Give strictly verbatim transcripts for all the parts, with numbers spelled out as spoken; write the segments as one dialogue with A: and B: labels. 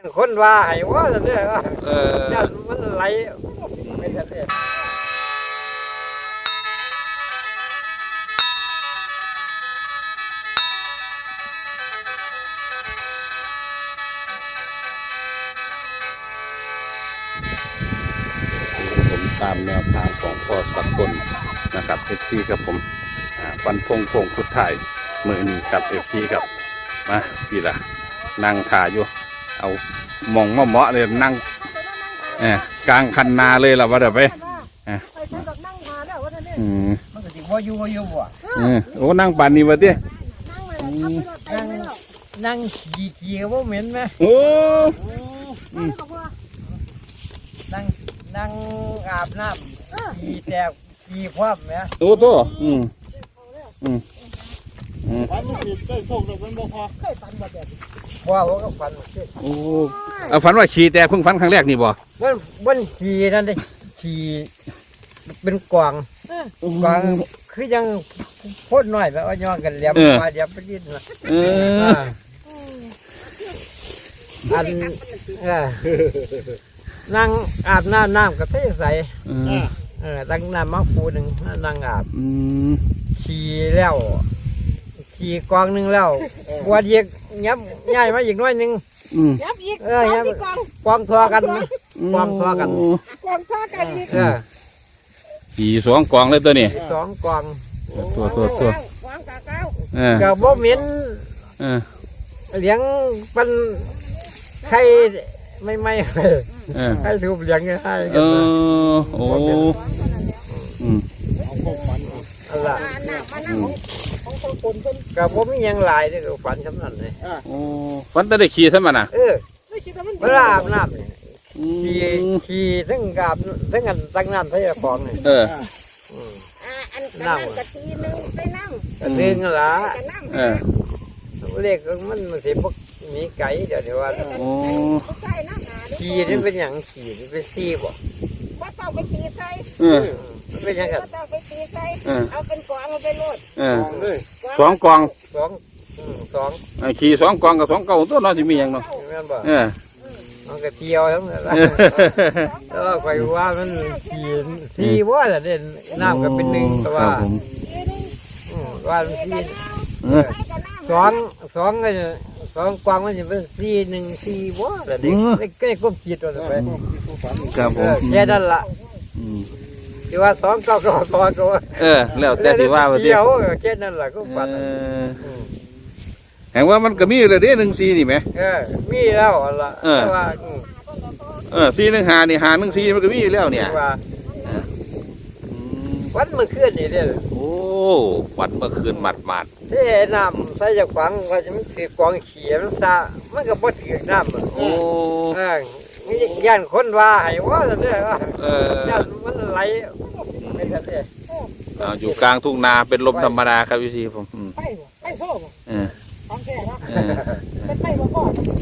A: คนว่าไอ้ว่าเนี่ย
B: เออ
A: มันไหลไม่ใช่เนี่ย
B: ผมตามแนวทางของพ่อสักคนนะครับเอฟซีครับผมฟันพงพงพุทธไทยมือนี้กับเอฟซีครับมาพี่ละนั่งถ่ายอยู่เอามองมาเหมาะเลยนั่งเออกลางคันนาเลยล่ะว่าเดี๋ยวไปอ่ะอืม
A: มันก็สิบ่อยู่บ่อยู่บ่
B: เออโอ้นั่งปั่นนี่วะเตี้ย
A: นั่งนั่งขี่ขี่ก็บ่เหม็นไหม
B: โอ้
A: นั่งนั่งอาบน้ำขี่แตกขี่คว่ำไหม
B: โอ้โตอืมอืมอืม
C: ฝันมันสิได้โชคได้มันบ่พอ
A: ว่าเขาก็ฟันมัน
B: โอ้เอาฝันว่าขี่แต่เพิ่งฝันครั้งแรกนี่บ่
A: มันมันขี่นั่นเลยขี่เป็นกวางกวางคือยังโคตรน้อยแบบว่าย้อนกันเหลี่ยมมาเดี๋ยวไปดิ้นนะ
B: เออ
A: อันเออนั่งอาบน้ำน้ำก็เทใส่
B: เออ
A: เออตั้งน้ำมักปูหนึ่งนั่งอาบ
B: อืม
A: ขี่แล้วขี่กองหนึ่งแล้ววัดเยกยับง่ายมาอีกน้อยหนึ่ง
B: อืม
D: ยับอีก
A: เออยับกองทอกันไหมกองทอกัน
D: กองท่ากันอีก
A: เออ
B: ขี่สองกองเลยตัวนี้
A: สองกอง
B: ตัวตัวตัว
D: วางกาเก้า
B: เออ
A: กับบ่เหม็น
B: เออ
A: เลี้ยงเป็นไข่ไม่ไม่
B: เออ
A: ให้ถูกเลี้ยงให้
B: เออโอ้อืม
A: อะไร
D: หนักมานั่งของของคนคน
A: กับผมมียังหลายเลยกับฝันสำนันเลย
B: โอ้ฝันแต่ได้ขี่ใช่ไหมน่ะ
A: เออ
D: ไม่คิดว่ามัน
A: เวลาอาบน้ำเนี่ย
B: อื
A: ขี่
B: ม
A: ขี่ทั้งกาบทั้งกันตั้งน้ำใส่กระป๋องเนี่ย
B: เออ
A: อืม
D: อ่าอันนั่งกะทีนึงไปนั่ง
A: ก็ดึงละ
D: กะนั่ง
B: เออ
A: เลขมันมันสิบกมีไก่เดี๋ยวนี้ว่า
B: โอ้
D: ใส่นั่งหาดิ
A: ขี่นี่เป็นอย่างขี่นี่เป็นซีบ่
D: ว่าต้องไปตีใส่
B: เออ
A: มันเป็นอย่างกัน
D: ว่าต้องไปตีใส่
B: เออ
D: เอาเป็นกองเอาไปโลด
B: เออ
C: มองเลย
B: สองกอง
A: สองอืมสอง
B: เออขี่สองกองกับสองเก่าตัวน้อยจะมีอย่างเนาะ
A: แม่นบ่
B: เออ
A: มันก็เที่ยวทั้งนั้นละเออข่อยว่ามันขี่ซีบ่ล่ะเด่นน้ำก็เป็นหนึ่งแต่ว่า
B: ครับผม
D: ทีนึง
A: อืมว่ามันซี
B: เออ
D: ไปกะนั่ง
A: สองสองก็จะสองกวางมันจะเป็นซีหนึ่งซีบ่ล่ะเด็กเด็กก็ได้ควบคิดว่าจะไป
B: ครับผ
A: เอ
B: ม
A: อแค่นั้นล่ะ
B: อืม
A: ที่ว่าสองเก้าก็สองก็ว่า
B: เออ แล้วแต่ที่ว่าว่า
A: เที่ยวก็แค่นั้นล่ะก็ฝัน
B: เออ
A: ม
B: แห่งว่ามันก็มีเลยเด้หนึ่งซีนี่ไหม
A: เออมีแล้วล่ะ
B: เออ
A: แต่ว่าอืม
B: เออซีหนึ่งหานี่หาหนึ่งซีมันก็มีอยู่แล้วเนี่ย
A: ว่า
B: อืม
A: วันเมื่อคืนนี่เด้อ
B: โอ้วันเมื่อคืนหมัดหมัด
A: เท่น้ำใส่จากฝังว่าจะมันถือกองเขียมันซามันก็บ่ถือน้ำอะ
B: โอ้
A: เออมีย่านคนว่าให้ว่าซั่นเด้อว่า
B: เออ
A: ย่านมันไหลไม่ซั่นเด้อ
B: อ่าอยู่กลางทุ่งนาเป็นลมธรรมดาครับพี่ซีผมอืม
D: ไปบ่ไปโซ่บ่
B: เออ
D: ของแท้เนาะ
B: เออ
D: เป็นไปบ่พอ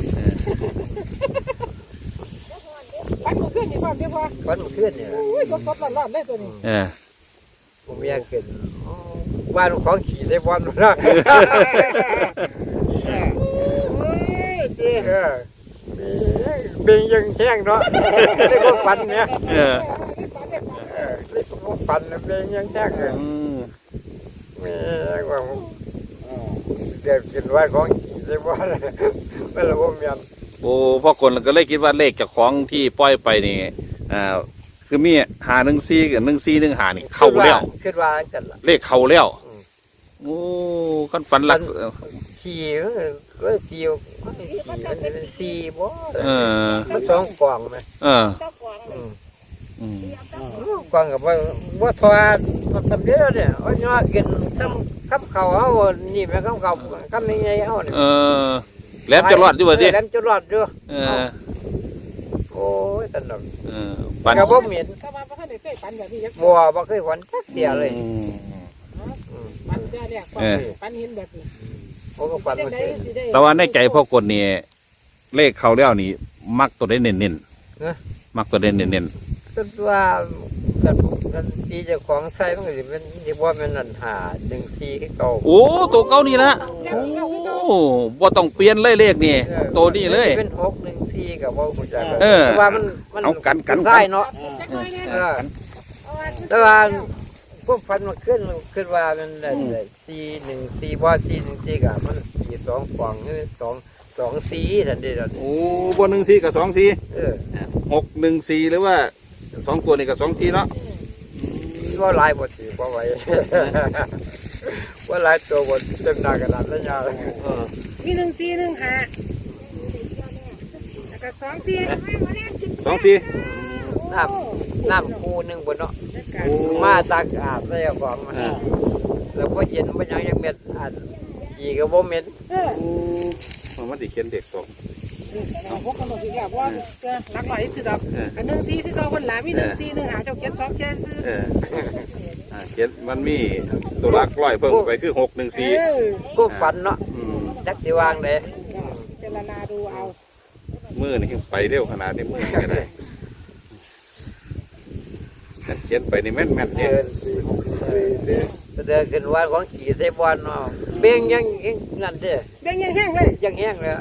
D: ไปเมื่อคืนนี่ความเดียวพอ
A: วันเมื่อคืนนี่ล่ะ
D: อุ้ยสดๆร้อนๆเลยตัวนี้
B: เออ
A: ผมอยากขึ้นอ๋อบ้านของขี่ได้บ่นะ
D: เฮ้ย
A: เออเบ่งยังแห้งเนาะได้พวกฟันเนี่ย
B: เออ
A: เออได้พวกฟันเบ่งยังแห้งเลย
B: อืม
A: มีว่าเกิดขึ้นว่าของขี่ได้บ่ไม่ละบ่แม่น
B: โอ้พ่อคนก็เลยคิดว่าเลขจากของที่ปล่อยไปนี่อ่าคือมีหาหนึ่งซีกับหนึ่งซีหนึ่งหานี่เข้าแล้ว
A: คิดว่ากันล่ะ
B: เลขเข้าแล้ว
A: อืม
B: โอ้คันฝันหลัก
A: ขี่ก็ขี่มันขี่มันเป็นสีบ่
B: เออ
A: มันสองกล่องไหม
B: เออ
D: เจ้าของ
A: อืม
B: อืม
A: กล่องกับว่าว่าทอดทำเดียวเนี่ยเอาเนาะกินทำข้าวเขาเอานี่แม่ข้าวเขาข้าวยังไงเอาเนี่ย
B: เออแหลมจะรอดอยู่บ่สิ
A: แหลมจะรอดอยู่
B: เออ
A: โอ้ยตลก
B: เออฝัน
A: กระบอกเหม็น
D: ถ้ามาบ่ทันได้เคยปันแบบนี้ยัก
A: บัวบ่เคยฝันจักเดียวเลย
B: อืม
A: อืม
D: ปันได้แรกปันปันเห็นแบบนี้
A: ผมก็ฝัน
D: จัง
A: มา
D: ได๋
A: เจอ
D: สิได้
B: แต่ว่าในใจพ่อกดนี่เลขเข้าแล้วนี่ มักตัวได้เน้นๆมักตัวได้เน้น
A: คิดว่ากันกันตีเจ้าของใส่มันก็สิเป็นสิว่ามันนั่นหาหนึ่งทีให้เก่า
B: ๆโอ้ตัวเก่านี่ละโอ้บ่ต้องเปลี่ยนเลยเลขนี่ตัวนี้เลย
A: เป็นหกหนึ่งทีกับว่าคุณจัก
B: เออ
A: ว่ามันมัน
B: เอากันกัน
A: ใช่เนาะ
D: จักหน่อยเนี่ย
A: เออแต่ว่าพวกฟันมันขึ้นขึ้นว่ามันได้สี่หนึ่งสี่บ่สี่หนึ่งสี่กับมันสี่สองฟองหรือสองสองสี่ทันทีทันที
B: โอ้บนหนึ่งสี่กับสองสี่
A: เออ
B: หกหนึ่งสี่หรือว่าสองตัวนี่กับสองสี่เนาะ
A: ว่าลายบทสีบ่ไหว ว่าลายตัวบทเต็มหน้ากระดาษแล้วยาว
B: เออ
D: มีหนึ่งสี่หนึ่งห้าแล้วก็สองสี่
B: สองสี่
A: น้ำน้ำคูหนึ่งบนเนาะ
B: โอ้
A: มาตักอาบใส่กระป๋องมา
B: อ่า
A: แล้วก็เย็นมันยังยังเม็ดอันอีกก็บ่เม็ด
D: เออ
B: โอ้มันติเขียนเด็กสอง
D: เอาพวกกันหมดสิครับว่าเออหลักร้อยสิดับ
B: เออ
D: อันหนึ่งสี่คือเก่าคนหลามีหนึ่งสี่หนึ่งห้าเจ้าเขียนสองแค่ซื้อ
B: เอออ่าเขียนมันมีตัวลักร้อยเพิ่มไปคือหกหนึ่ง
D: เอ
B: สี่
D: อ
A: ก็ฝันเนาะ
B: อืม
A: จักสิวางเลย
D: เป็นละนาดูเอา
B: มือนี่ไปเร็วขนาดนี้มือนี่ก็ได้เขียนไปนี่แม่นแม่นๆ
A: เดิ
B: เนี่ย
A: นเดินขึ้นวันของขี่ใส่บอลเนาะเบ่งยังยังนั่นเด้อ
D: แบ่งยังแห้งเลย
A: ยังแห้งเลย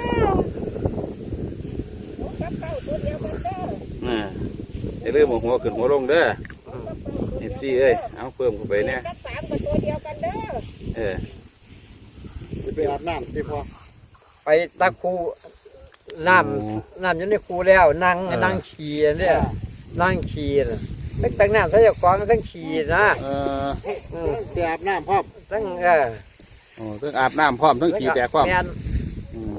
B: อ่าอย่าลืมเอาหัวขึ้นหัวลงเด้อเอฟซีเอ้ยเอาเพิ่มเข้าไปเนี่ย
D: กับสามกับตัวเดียวกันเด้อ
B: เออ
C: สิไปอาบน้ำที่พอ
A: ไปตะคูน้ำน้ำอยู่ในคูแล้วนั่งนั่งขี่เนี่ยนั่งขี่น่ะตั้งแต่น้ำถ้าจะกองตั้งขี่นะ
B: เออ
A: อืม
C: ไปอาบน้ำพร้อม
A: ตั้งเออ
B: โอ้ต้องอาบน้ำพร้อมต้องขี่แตกพร้อม
A: แม่น
B: อืม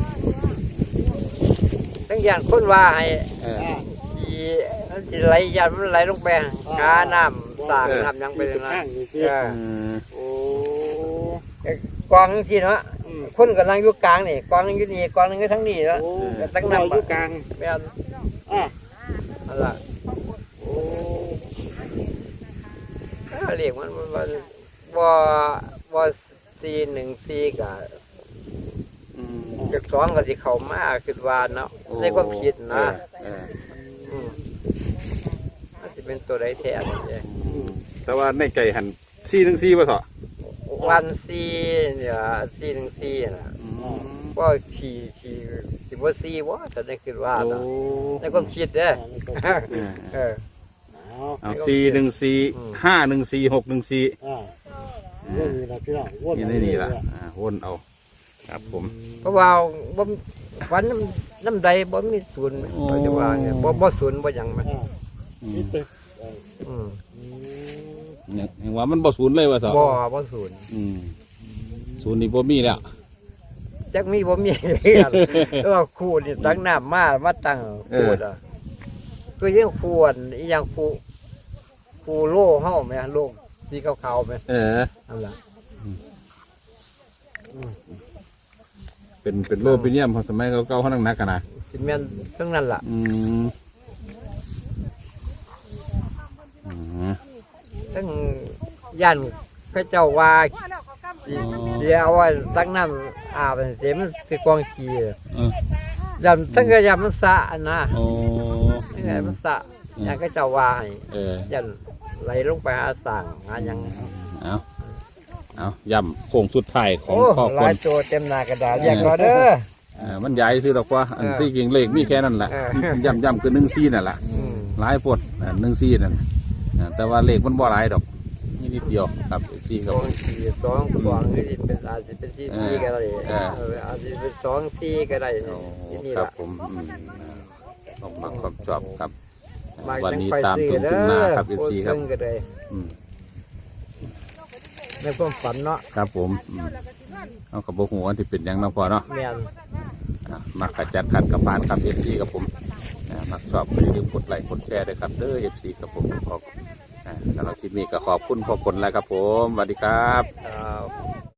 A: ตั้งอย่างคนว่าให้
B: เออ
A: ขี่มันสิไหลยันมันไหลลงไปหาน้ำสร้างน้ำยังไปเลยนะ
C: ข้างอยู่ที่
A: เออ
B: อืม
C: โอ้
A: กองที่เนาะ
C: อืม
A: คนกำลังอยู่กลางนี่กองหนึงอยู่นี่กองหนึงอยู่ทั้งนี้แล้ว
C: โอ้
A: ตั้ง
C: เรา
A: น้ำ
C: อยู่กลาง
A: แม่น
C: อ่ะ
A: นั่นล่ะ
C: โอ้
A: ถ้าเรียกมันมันมันบ่บ่สี่หนึ่งสี่กับ
B: อืม
A: จากสองก็สิเข้ามาคิดว่าเนาะในความคิดนะ
B: เออ
A: อืมมันจะเป็นตัวใดแทนเนี่ย
B: อืมแต่ว่าในใจหันสี่หนึ่งสี่ป่ะเถอะ
A: วันสี่เนี่ยสี่หนึ่งสี่น่ะก็ขี่ขี่สิบ่สี่บ่แต่ได้คิดว่า
B: โอ้
A: เนาะในความคิดเด้อ
B: เออ
A: เออ
C: เอา
B: เอาสี่หนึ่งสี่
A: อืม
B: ห้าหนึ่งสี่หกหนึ่งสี่
C: อ่ะเรื่องนี้ละพี่น้องวน
B: นี่
C: เอา
B: นี่นี่
C: เรื่
B: ล่ะ
C: อยๆ
B: อ่าวนเอาครับผม
A: เพราะว่าบ่วันน้ำน้ำใดบ่มีศูนย์เขาจะว่าไงบ่บ่ศูนย์บ่หยังมัน
C: อ่ะ
B: อืม
C: คิดไปเออ
A: อืม
C: อืม
B: เนี่ยเห็นว่ามันบ่ศูนย์เลยว่ะเถอะ
A: บ่บ่ศูนย์
B: อืมศูนย์นี่บ่มีแล้ว
A: จักมีบ่มีแล้วว่าครูนี่ตั้งน้ำมามาตั้งครูอ่ะคือยังควรอีหยังครูครูโลเฮาแม่โลสีขาวๆแม่
B: เออ
A: นั่นล่ะ
B: เป็นเป็นโลปิเนียมของสมัยเก่าๆเขานักๆกันนะ
A: สิแม่นทั้งนั้นล่ะ
B: อืมอืม
A: ทั้งย่านพระเจ้าว่าสิสิเอาไว้ตั้งน้ำอาบให้เต็มนสิกองขี้
B: เออ
A: ยันทั้งก็ยันมันสะอันนะ
B: โอ้
A: นี่ไงมันสะยังก็จะว่าให้
B: เออ
A: ยันไหลลงไปหาสั่งหาหยัง
B: เอาเอาย่ำโค้งสุดท้ายของ
A: โอ้
B: พ่อ
A: ห
B: ค
A: ลาย
B: น
A: ตัวเต็มหน้ากระดาษอยากรอเด้อ
B: อ่ามันใหญ่ซื้อหรอกว่าอัน
A: เออ
B: ที่กิ่งเลขมีแค่นั้นแหละ
A: เออ
B: ย่ำย่ำคือหนึ่งซีนั่นแหละ
A: อืม
B: หลายปวดหนึ่งซีนั่นอ่าแต่ว่าเลขมันบ่หลายดอกนี่นิดเดียวครับซี
A: ส
B: ครับ
A: องสี่สองสองคือสิเป็นอาจจะเป็นสี่สี่ก็ได้
B: เออ
A: เอออาจจะเป็นสองสี่ก็ได้
B: โอ้
A: ที่นี่
B: ครับ
A: ล่ะ
B: ผมอืมต้องมาความชอบครับ
A: มา
B: วัน
A: จัง
B: นี้
A: ไป
B: ตาม
A: ซื้อ
B: ตรง
A: เด้
B: คุณ
A: อ
B: นาครับ
A: โอ้
B: ซีครับ
A: ซึ่งก็ได้
B: อืม
A: ในความฝันเนาะ
B: ครับผมอืมเอากระบอกหัวที่เป็นหยังเนาะพอเนาะ
A: แม่น
B: อ่ะมักขจัดขัดกับปานครับเอฟซีกับผมอ่ามักชอบก็อย่าลืมกดไลค์กดแชร์ด้วยครับเด้อเอฟซีกับผมขอบอ่าสำหรับคลิปนี้ก็ขอบคุณพอคนแล้วครับผมสวัสดีครับ
A: ครับ